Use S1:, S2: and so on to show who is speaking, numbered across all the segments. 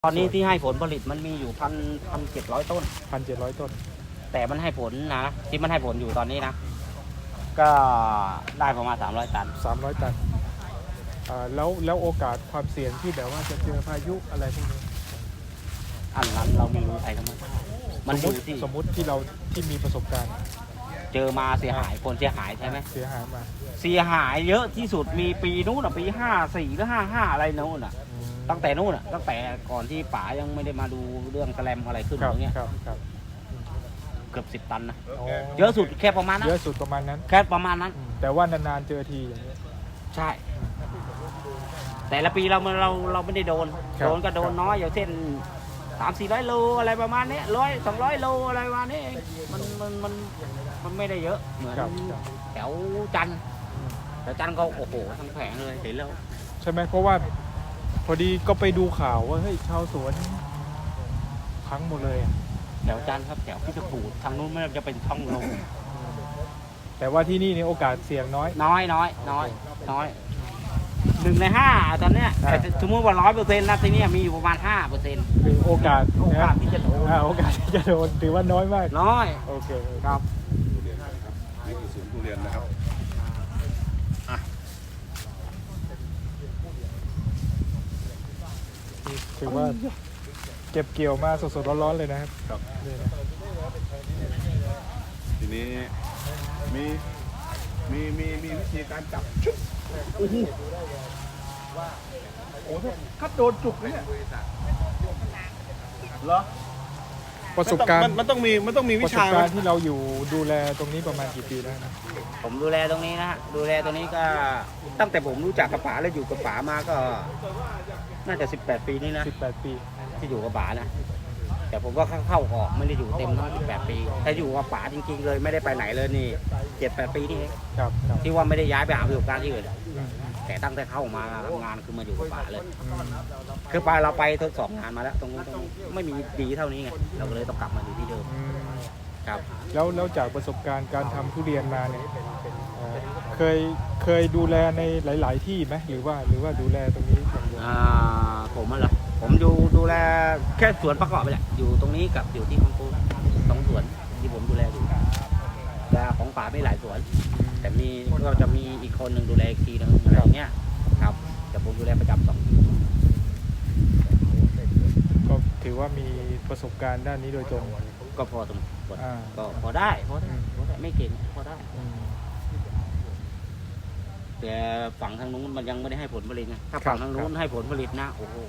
S1: ตอนนี้ที่ให้ผลผลิตมันมีอยู่1,700 ต้น
S2: 1,700 ต้น
S1: แต่มันให้ผลนะที่มันให้ผลอยู่ตอนนี้นะก็ได้ประมาณ300 ตัน
S2: 300 ตันแล้วโอกาสความเสี่ยงที่แบบว่าจะเจอพายุอะไรพวกนี้
S1: อันนั้นเราไม่รู้ใครทั้งนั้นมันอยู่ที่
S2: สมมุติที่เราที่มีประสบการณ์
S1: เจอมาเสียหายคนเสียหายใช่ไหม
S2: เสียหายมา
S1: เสียหายเยอะที่สุดมีปีนู้นปี54หรือ55อะไรนู้นตั้งแต่นู้นตั้งแต่ก่อนที่ป๋ายังไม่ได้มาดูเรื่องแกลมอะไรขึ้นตรงนี้เกือบ10 ตันนะเยอะสุดแค่ประมาณนั้น
S2: เยอะสุดประมาณนั้น
S1: แค่ประมาณนั้น
S2: แต่ว่านานๆเจอทีอย่างนี้
S1: ใช่แต่ละปีเราไม่ได้โดนก็โดนน้อยอย่างเช่น300-400 โลอะไรประมาณนี้100-200 โลอะไรประมาณนี้มันไม่ได้เยอะเหมือนแถวจันทร์แต่จันทร์ก็โอ้โหทั้งแผงเลยเห็นแล้ว
S2: ใช่ไหมเพราะว่าพอดีก็ไปดูข่าวว่าเฮ้ยชาวสวนพังหมดเลย
S1: แถวจันทร์ครับแถวพิจิตรทางนู้นมันจะเป็นช่องลง
S2: แต่ว่าที่นี่เนี่ยโอกาสเสี่ยงน้อย
S1: 1 ใน 5ตอนเนี้ยแต่สมมติว่า100%นะที่นี่มีอยู่ประมาณ5%
S2: คือโอกาส
S1: ที่จะโดน
S2: โอกาสที่จะโดนถือว่าน้อยมาก
S1: น้อย
S2: โอเค
S1: ครับ
S3: นี่คือสวนทุเรียนนะครับ
S2: ถือว่าเก็บเกี่ยวมาสดๆร้อนๆเลยนะครับนี่นะ
S3: ทีนี้มีวิธีการจับชุบโอ้โหถ้าโดนจุกเนี่ยเหรอ
S2: ประสบการณ์
S3: มันต้องมีวิชา
S2: ประสบการณ์ที่เราอยู่ดูแลตรงนี้ประมาณกี่ปีแล้วนะ
S1: ผมดูแลตรงนี้นะฮะดูแลตรงนี้ก็ตั้งแต่ผมรู้จักกับป๋าแล้วอยู่กับป๋ามาก็น่าจะ18 ปีนี่นะ
S2: 18 ปี
S1: ที่อยู่กับป๋านะแต่ผมก็เข้าออกไม่ได้อยู่เต็มทั้ง18 ปีถ้าอยู่กับป๋าจริงๆเลยไม่ได้ไปไหนเลยนี่7-8 ปีนี่เองที่ว่าไม่ได้ย้ายไปหาประสบการณ์ที่อื่นแต่ตั้งแต่เข้ามาทำงานคือมาอยู่กับป๋าเลยคือไปเราไปทดสอบงานมาแล้วตรงนี้ไม่มีดีเท่านี้ไงเราก็เลยต้องกลับมาอยู่ที่เดิมครับ
S2: แล้วจากประสบการณ์การทำทุเรียนมาเนี่ยเคยดูแลในหลายๆที่ไหมหรือว่าดูแลตรงนี้อย่างเดียว
S1: ผมเหรอผมดูแลแค่สวนประกอบไปแหละอยู่ตรงนี้กับอยู่ที่ของกู2 สวนที่ผมดูแลอยู่แต่ของป๋าไม่หลายสวนแต่ก็จะมีอีกคนหนึ่งดูแลอีกทีนึงอะไรเงี้ยครับแต่ผมดูแลประจำ2
S2: ก็ถือว่ามีประสบการณ์ด้านนี้โดยตรง
S1: ก็พอสมควรก็พอได้ไม่เก่งพอได้แต่ฝั่งทางนู้นมันยังไม่ได้ให้ผลผลิตไงถ้าฝั่งทางนู้นให้ผลผลิตนะโอ้โห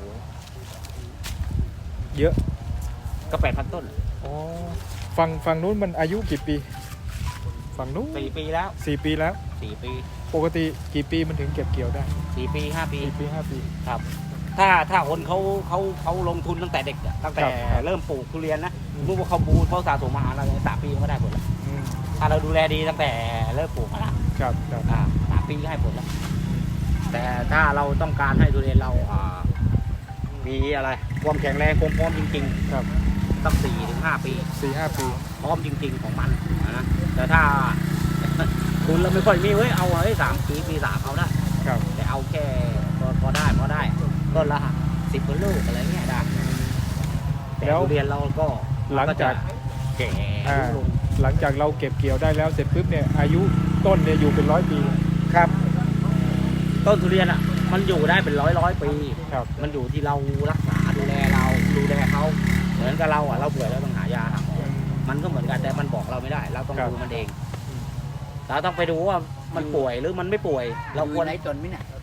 S2: เยอะ
S1: ก็8,000 ต้น
S2: อ๋อฝั่งนู้นมันอายุกี่ปีฝั่งนู้น
S1: 4 ปีแล้ว
S2: 4 ปีแล้ว
S1: 4 ปี
S2: ปกติกี่ปีมันถึงเก็บเกี่ยวได้
S1: 4 ปี 5 ปี
S2: 4 ปี 5 ปี
S1: ครับถ้าคนเขาลงทุนตั้งแต่เด็กตั้งแต่เริ่มปลูกทุเรียนนะรู้ว่าเขาสะสมมาหาเรา3 ปีก็ได้ผลแล้วถ้าเราดูแลดีตั้งแต่เริ่มปลูกมาแล้ว3 ปีก็ให้ผลแล้วแต่ถ้าเราต้องการให้ทุเรียนเรามีอะไรความแข็งแรงคงพร้อมจริง
S2: ๆครับ
S1: ต้อง4-5 ปี
S2: 4-5 ปี
S1: พร้อมจริงๆของมันนะแต่ถ้าคุณเราไม่ค่อยมีเอา3 ปี 3เอาได้แต่เอาแค่พอได้ต้นละ10 ลูกอะไรเงี้ยได้แต่ทุเรียนเราก็
S2: หลังจาก
S1: แก่
S2: หลังจากเราเก็บเกี่ยวได้แล้วเสร็จปุ๊บเนี่ยอายุต้นเนี่ยอยู่เป็น100 ปี
S1: ครับต้นทุเรียนมันอยู่ได้เป็นร้อยปีมันอยู่ที่เรารักษาดูแลเขาเหมือนกับเราเราป่วยแล้วต้องหายาหาหมอมันก็เหมือนกันแต่มันบอกเราไม่ได้เราต้องดูมันเองเราต้องไปดูว่ามันป่วยหรือมันไม่ป่วยเราควร
S4: ไหนจนไหมเนี่ย